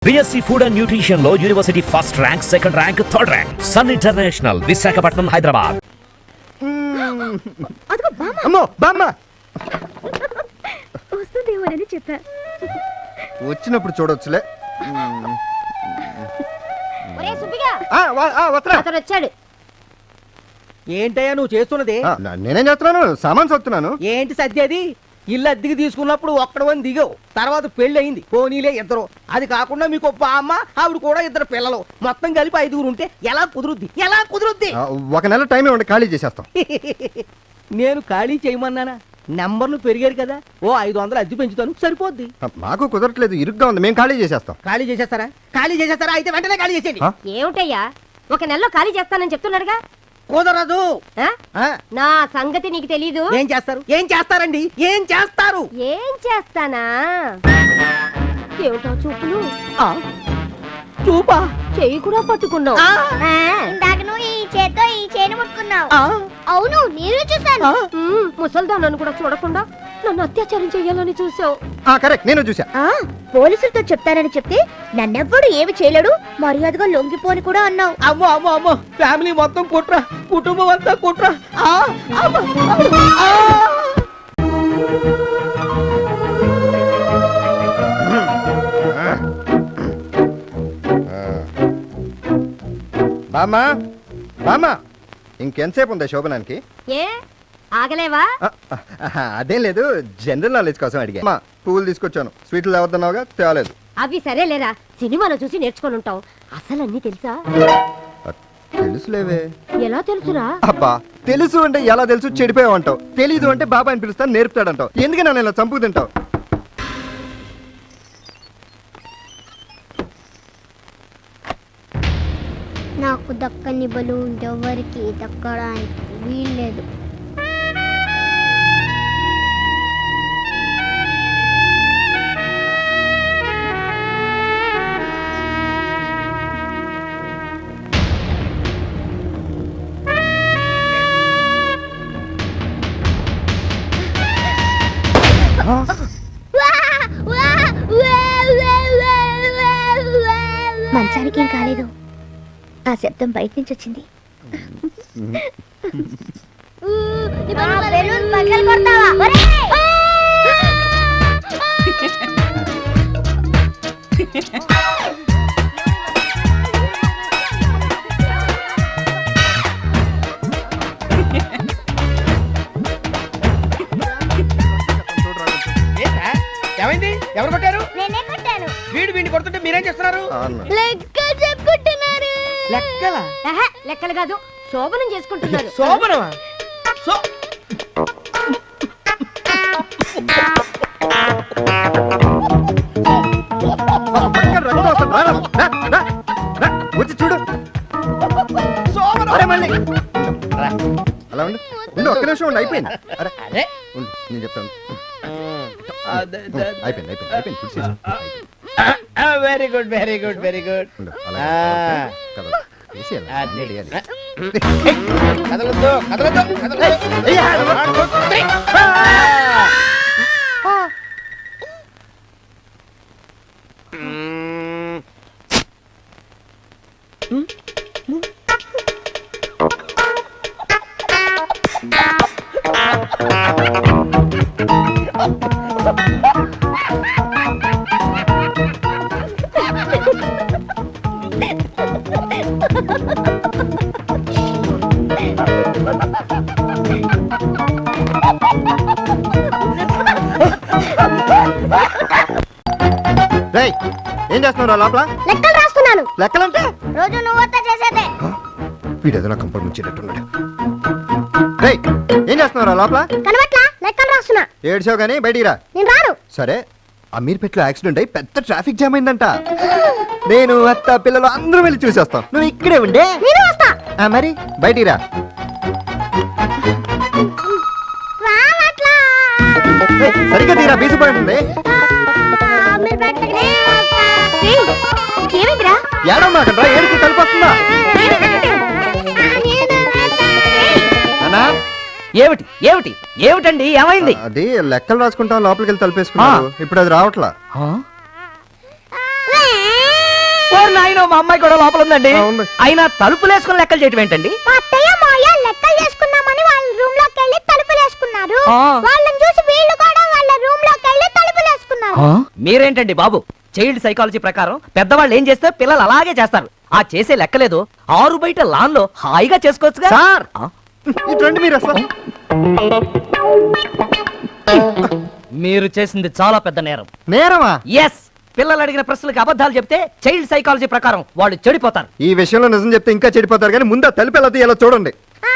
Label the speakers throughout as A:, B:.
A: BSc Food and Nutrition లో university first rank, second rank, third rank. Sun international, Visakhapatnam, Hyderabad.
B: అమ్మో బామ్మ
C: వస్తుందేమోనని చెప్పా.
B: వచ్చినప్పుడు చూడొచ్చులే.
C: వచ్చాడు.
D: ఏంటయ్యా నువ్వు చేస్తున్నది?
B: నేనేం చేస్తున్నాను, సామాన్ సత్తున్నాను.
D: ఏంటి సత్యది? ఇల్లు అద్దెకి తీసుకున్నప్పుడు ఒక్కడవని దిగావు, తర్వాత పెళ్లి అయింది, పోనీలే ఇద్దరు. అది కాకుండా మీకు ఒక్క అమ్మ, ఆవిడ కూడా ఇద్దరు పిల్లలు, మొత్తం కలిపి 5 ఉంటే ఎలా కుదురుద్ది? ఎలా కుదురుద్ది?
B: ఒక నెల టైం ఇవ్వండి, ఖాళీ చేసేస్తాం.
D: నేను ఖాళీ చేయమన్నానా? నెంబర్లు పెరిగారు కదా, ఓ 500 అద్దె పెంచుతాను, సరిపోద్ది.
B: మాకు కుదరట్లేదు, ఇరుగ్గా ఉంది, మేము ఖాళీ చేసేస్తాం.
D: ఖాళీ చేసేస్తారా? ఖాళీ చేసేస్తారా? అయితే వెంటనే ఖాళీ చేసేయండి.
C: ఏమిటయ్యా, ఒక నెలలో ఖాళీ చేస్తానని చెప్తున్నాడుగా.
D: కుదరదు.
C: నా సంగతి నీకు తెలీదు.
D: ఏం చేస్తారు? ఏం చేస్తారండి? ఏం చేస్తారు?
C: ఏం చేస్తానా? ఏమిటో చూపులు.
D: చూపా?
C: చెయ్యి కూడా పట్టుకున్నావు.
E: ఇందాక నువ్వు ఈ చేత్తో ఈ చేను ముట్టుకున్నావు. అవును, నేను చూసాను.
C: ముసల్దానను కూడా చూడకుండా నన్ను అత్యాచారం చెయ్యాలని చూసావు.
B: కరెక్ట్, నేను చూసా.
E: పోలీసులతో చెప్తానని చెప్తే నన్నెవ్వడు ఏమి చేయలేడు, మర్యాదగా లొంగిపోని కూడా అన్నావు.
D: అమ్మో అమ్మో అమ్మో, ఫ్యామిలీ మొత్తం కుట్ర, కుటుంబం అంతా కుట్ర.
B: బామ్మా బామ్మా, ఇంకెంతసేపు ఉందా శోభనానికి?
C: ఏ ఆగలేవా?
B: అదేం లేదు, జనరల్ నాలెడ్జ్ కోసం అడిగా. పువ్వులు తీసుకొచ్చాను, స్వీట్లు తేవద్దన్నావుగా, తేవలేదు.
C: అవి సరేలేరా, సినిమాలో చూసి నేర్చుకొని ఉంటావు. అసలు అన్ని తెలుసా?
B: తెలుసులేవే.
C: ఎలా తెలుసురా?
B: అబ్బా, తెలుసు అంటే ఎలా తెలుసు, చెడిపోయావంటావు. తెలీదు అంటే బాబా అని పిలుస్తాను, నేర్పుతాడంటావు. ఎందుకు నన్ను ఇలా చంపు తింటావు?
E: నాకు దక్కని బలూన్ ఎవరికి దక్కడానికి వీల్లేదు. మంచానికి ఏం కాలేదు, ఆ శబ్దం బయట నుంచి వచ్చింది.
D: ఏమైంది? ఎవరు కొట్టారు?
E: నేనే కొట్టాను.
D: వీడు వీడిని కొడుతుంటే మీరేం చేస్తున్నారు?
E: లెక్కలు చెప్పుకుంటున్నారు.
D: లెక్కలా?
C: లెక్కలు కాదు, శోభనం చేసుకుంటున్నారు.
D: శోభనమా?
B: వచ్చి చూడు. అలా ఉండు, ఒక్క నిమిషం ఉండి, అయిపోయింది. అరే నేను చెప్తాను. అయిపోయింది అయిపోయింది అయిపోయింది.
D: Very good very good very good. కదలొద్దు కదలొద్దు కదలొద్దు.
B: ఏం చేస్తున్నావు లోపల?
E: లెక్కలు రాస్తున్నాను.
B: లెక్కలంటే
E: రోజు నువ్వు చేసేదే.
B: వీడేదో నా కంపల్ ముంచేటట్టున్నాడు. ఏం చేస్తున్నావు లోపల?
E: కనబట్లా, లెక్కలు రాస్తున్నా.
B: ఏడ్చావు గానీ బయటికి రా.
E: నేను రాను.
B: సరే, అమీర్పేటలో యాక్సిడెంట్ అయి పెద్ద ట్రాఫిక్ జామ్ అయిందంట. నేను అత్త పిల్లలు అందరూ వెళ్ళి చూసేస్తాం, నువ్వు ఇక్కడే ఉండే.
E: నేను వస్తా.
B: మరి బయటికి రా. సరిగ్గా తీరా, బీసిపోయింటుంది. ఏడమ్మా అక్కడ ఏడుకు కలిపొస్తుందా?
D: ఏమిటి ఏమిటి ఏమిటండి, ఏమైంది?
B: అది లెక్కలు రాసుకుంటాం, లోపలికి వెళ్ళి తలుపేసుకున్నాను. ఇప్పుడు అది రావట్లా.
D: ఓరి నాయనో, మా అమ్మాయి కూడా లోపల ఉందండి.
B: ఆ, ఉంది.
D: అయినా తలుపులు వేసుకుని లెక్కలు చేయటం ఏంటండి?
E: మా అత్తయ్య మాయ లెక్కలు చేసుకుందామని వాళ్ళ రూమ్ లోకి వెళ్ళి తలుపులు వేసుకున్నారు.
D: ఆ.
E: వాళ్ళని చూసి వీళ్ళు కూడా వాళ్ళ రూమ్ లోకి వెళ్ళి తలుపులు వేసుకున్నారు.
D: మీరేంటండి బాబు, చైల్డ్ సైకాలజీ ప్రకారం పెద్దవాళ్ళు ఏం చేస్తే పిల్లలు అలాగే చేస్తారు. ఆ చేసే లెక్కలేదు, ఆరు బయట లాన్ లో హాయిగా చేసుకోవచ్చుగా.
B: సార్
D: ఆ?
B: ఇటు రండి మీరు అసలు.
D: మీరు చేసింది చాలా పెద్ద నేరం.
B: నేరమా?
D: ఎస్, పిల్లలు అడిగిన ప్రశ్నలకు అబద్ధాలు చెప్తే చైల్డ్ సైకాలజీ ప్రకారం వాళ్ళు చెడిపోతారు.
B: ఈ విషయంలో నిజం చెప్తే ఇంకా చెడిపోతారు, కానీ ముందు ఆ తలుపు ఎలా తీయాలో చూడండి.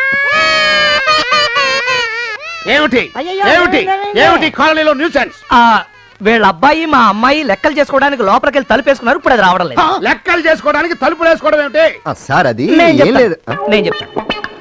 F: ఏమిటి ఏమిటి ఏమిటి కాలనీలో న్యూసెన్స్?
D: ఆ, వీళ్ళ అబ్బాయి మా అమ్మాయి లెక్కలు చేసుకోవడానికి లోపలికి వెళ్ళి తలుపేసుకున్నారు. ఇప్పుడు అది రావడం లేదు.
F: లెక్కలు చేసుకోవడానికి తలుపులు వేసుకోవడం ఏమిటి?
B: ఆ, సార్ అది
D: నేను
B: ఏం లేదు.
D: చెప్తాను. నేను చెప్తాను.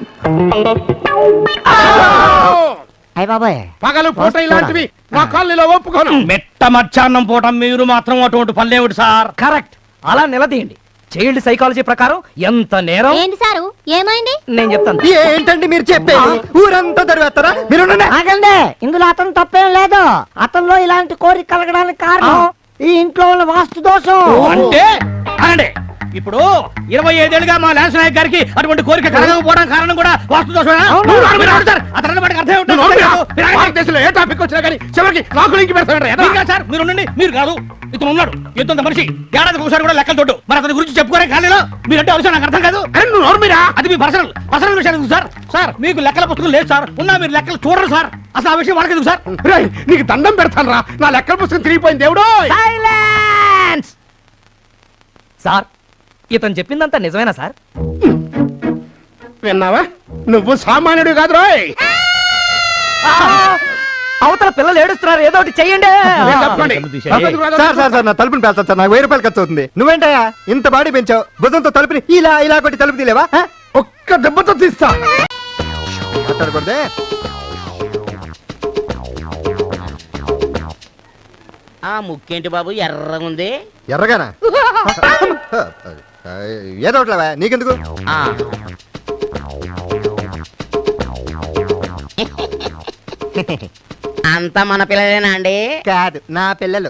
D: అయ్య బాబాయ్,
F: పగలు పూట ఇలాంటివి మా కాలనీలో ఒప్పుకోను.
A: మెట్ట మధ్యాహ్నం పూట మీరు మాత్రం అటువంటి పనులేమిటి సార్?
D: కరెక్ట్, అలా నిలదీయండి. చైల్డ్ సైకాలజీ ప్రకారం ఎంత నేరం.
E: ఏంటి సారు ఏమైంది?
D: నేను చెప్తాను.
B: ఏంటండి మీరు చెప్పేది? ఊరంతా తరివేస్తారా? మీరు ఉండండి.
G: ఆగండి, ఇందులో అతను తప్పేం లేదు. అతనిలో ఇలాంటి కోరిక కలగడానికి కారణం ఈ ఇంట్లో ఉన్న వాస్తు దోషం.
A: అంటే అనండి, ఇప్పుడు 25 ఏళ్ళుగా మా ల్యాన్స్ నాయక్ గారికి అటువంటి కోరిక కలగకపోవడం కారణం కూడా వాస్తు దోషమేనా?
F: నువ్వు నోరు మీద అడుగుతారు.
A: అతని వాడికి అర్థం ఏమిటో
F: నువ్వు నోరు మీద.
A: తెలియదు. మీరు ఆగండి.
F: భారతదేశంలో ఏ టాపిక్ వచ్చినా కానీ చివరికి నాకు లింక్ పెడతాడు.
A: మీరు కాదు సార్, మీరు ఉండండి. మీరు కాదు, ఇతను ఉన్నాడు. ఎంతంత మనిషి ఏడాదికి ఒకసారి కూడా లెక్కలు తోడు. మరి అతని గురించి చెప్పుకోరే ఖాళీలో మీరంటే అవసరం నాకు అర్థం కాదు.
F: అరే నువ్వు నోరు మీద.
A: అది మీ పర్సనల్ విషయం ఎందుకు సార్? సార్ మీకు లెక్కల పుస్తకం లేదు సార్, ఉన్నా మీరు లెక్కలు చూడరు సార్. అసలు ఆ విషయం వాళ్ళకి ఎందుకు సార్?
F: రేయ్, నీకు దండం పెడతాను రా, నా లెక్కల పుస్తకం తిరిగిపోయింది దేవుడు.
D: సైలెన్స్! సార్, ఇతను చెప్పిందంతా నిజమేనా సార్?
F: విన్నావా? నువ్వు సామాన్యుడు కాదు రోయ్.
D: అవతల పిల్లలు ఏడుస్తున్నారు, ఏదో ఒకటి చెయ్యండి.
F: మీరు తప్పుకోండి.
B: సార్ సార్ సార్ నా తలుపుని పేల్చదు సార్, నాకు 1000 రూపాయలు ఖర్చు అవుతుంది. నువ్వేంటయ్యా ఇంత బాడీ పెంచావు, భుజంతో తలుపుని ఇలా ఇలా కొట్టి తలుపు తీలేవా?
F: ఒక్క దెబ్బతో తీస్తా.
B: మాట్లాడకూడదే.
H: ఆ ముక్కేంటి బాబు ఎర్రగుంది?
B: ఎర్రగానా? ఏదో ఒకట్లేవా, నీకెందుకు?
H: ఆ. అంతా మన పిల్లలేనా అండి?
B: కాదు, నా పిల్లలు.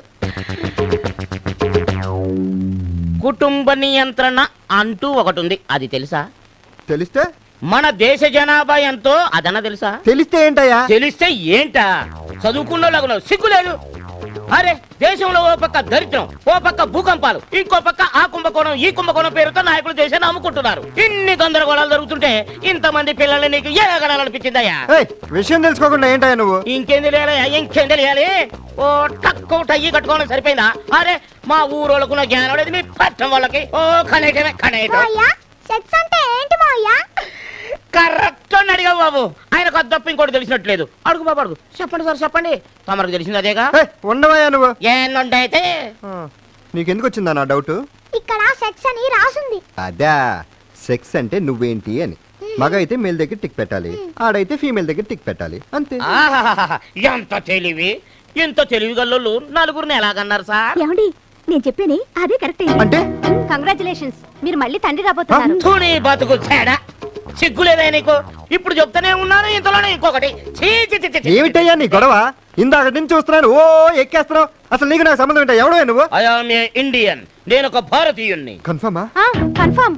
H: కుటుంబ నియంత్రణ అంటూ ఒకటి ఉంది, అది తెలుసా?
B: తెలిస్తే?
H: మన దేశ జనాభా ఎంతో అదన తెలుసా?
B: తెలిస్తే ఏంటయ్యా?
H: తెలిస్తే ఏంటా? చదువుకున్న సిగ్గులేదు. అరే, దేశంలో ఓ పక్క దరిద్రం, ఓ పక్క భూకంపాలు, ఇంకో పక్క ఆ కుంభకోణం ఈ కుంభకోణం పేరుతో నాయకులు దేశాన్ని అమ్ముకుంటున్నారు. ఇన్ని గందరగోళాలు జరుగుతుంటే ఇంతమంది పిల్లల్ని నీకు ఏ గడాలనిపించిందయ్యా?
B: ఏయ్, విషయం తెలుసుకోకుండా ఏంటయ్యా నువ్వు?
H: ఇంకేం తెలియాలి? ఇంకేం తెలియాలి? ఓ టక్కు టయ్యి కట్టుకోవడం సరిపోయిందా? అరే, మా ఊరోళ్ళకున్న జ్ఞానం లేదు, మీ పట్టం వాళ్ళకి ఓ కనేటమే కనేటం.
E: మాయా సెక్స్ అంటే ఏంటి మాయా?
H: కరెక్ట్ అని అడిగా బాబు, ఆయనకు అది తప్ప ఇంకోటి తెలిసినట్లేదు. అడుగు బాబు అడుగు. చెప్పండి సార్ చెప్పండి, తమరికి తెలిసింది అదేగా.
B: ఏయ్, ఉండవయ్యా నువ్వు.
H: ఏంటంటే
B: నీకెందుకు వచ్చిందా నా డౌట్?
E: ఇక్కడ సెక్స్ అని రాసుంది.
B: అదా, సెక్స్ అంటే నువ్వేంటి అని. మగ అయితే మేల్ దగ్గర టిక్ పెట్టాలి, ఆడైతే ఫీమేల్ దగ్గర టిక్ పెట్టాలి, అంతే.
H: ఆహాహాహా, ఎంత తెలివి! ఇంత తెలివి గల్లోళ్ళు నలుగురిని ఎలాగన్నారు సార్?
C: ఏమండి, నేను చెప్పేని అదే కరెక్ట్.
B: అంటే
C: కంగ్రాచులేషన్స్, మీరు మళ్ళీ తండ్రి రాబోతున్నారు.
H: ధూని బతుకు తేడా, సిగ్గులేదా నీకు? ఇప్పుడు చెప్తానే ఉన్నాను, ఇంతలోనే ఇంకొకటి. ఛీ, ఛీ, ఛీ, ఛీ, ఛీ.
B: ఏమిటయ్యా నీ గొడవ? ఇందాక నుంచి చూస్తున్నాను, ఓ ఎక్కేస్తున్నావు. అసలు నీకు నాకు సంబంధం ఏంటో? ఎవడో నువ్వు?
H: I am a Indian. నేను ఒక భారతీయుణ్ణి.
B: కన్ఫర్మా?
C: కన్ఫర్మ్.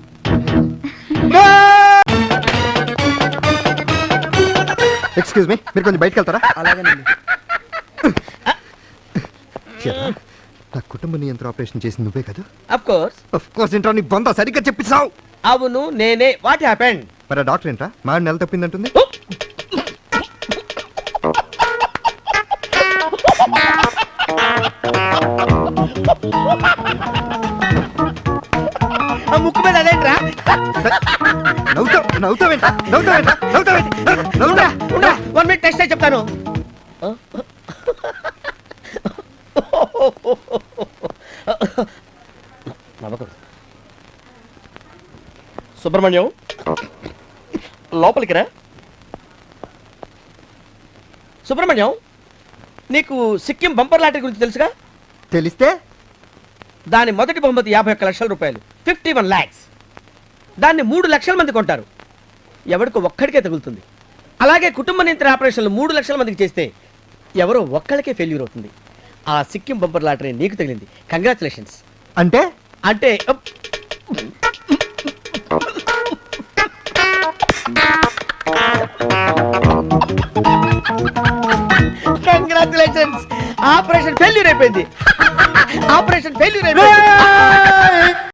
B: ఎక్స్క్యూజ్ మీ, మీరు కొంచెం బయటకు వెళ్తారా? చెప్పరా, నా కుటుంబ నియంత్రణ ఆపరేషన్ చేసి నువ్వే కదా?
D: Of course.
B: ఆఫ్ కోర్స్ ఏంట్రా, నీ బొంద సరిగ్గా చెప్పిస్తావు.
D: అవును, నేనే. What happened?
B: మరి ఆ డాక్టర్ ఏంట్రా, మా నెల తప్పిందంటుంది?
D: ఆ ముక్కు మీద అదేంట్రా?
B: నవ్వుతావేంట్రా?
D: 1 మినిట్ టెస్ట్ చెప్తాను. సుబ్రహ్మణ్యం, లోపలికి రా. సుబ్రహ్మణ్యం, నీకు సిక్కిం బంపర్ లాటరీ గురించి తెలుసుగా?
B: తెలిస్తే?
D: దాని మొదటి బహుమతి 51 లక్షల రూపాయలు, 51 lakhs. దాన్ని 3 లక్షల మంది కొంటారు, ఎవరికో ఒక్కడికే తగులుతుంది. అలాగే కుటుంబ నియంత్రణ ఆపరేషన్లు 3 లక్షల మందికి చేస్తే ఎవరో ఒక్కడికే ఫెయిల్యూర్ అవుతుంది. ఆ సిక్కిం బంపర్ లాటరీ నీకు తగిలింది. కంగ్రాచులేషన్స్.
B: అంటే
D: అంటే కంగ్రాచులేషన్స్, ఆపరేషన్ ఫెయిల్యూర్ అయిపోయింది. ఆపరేషన్ ఫెయిల్యూర్ అయిపోయింది.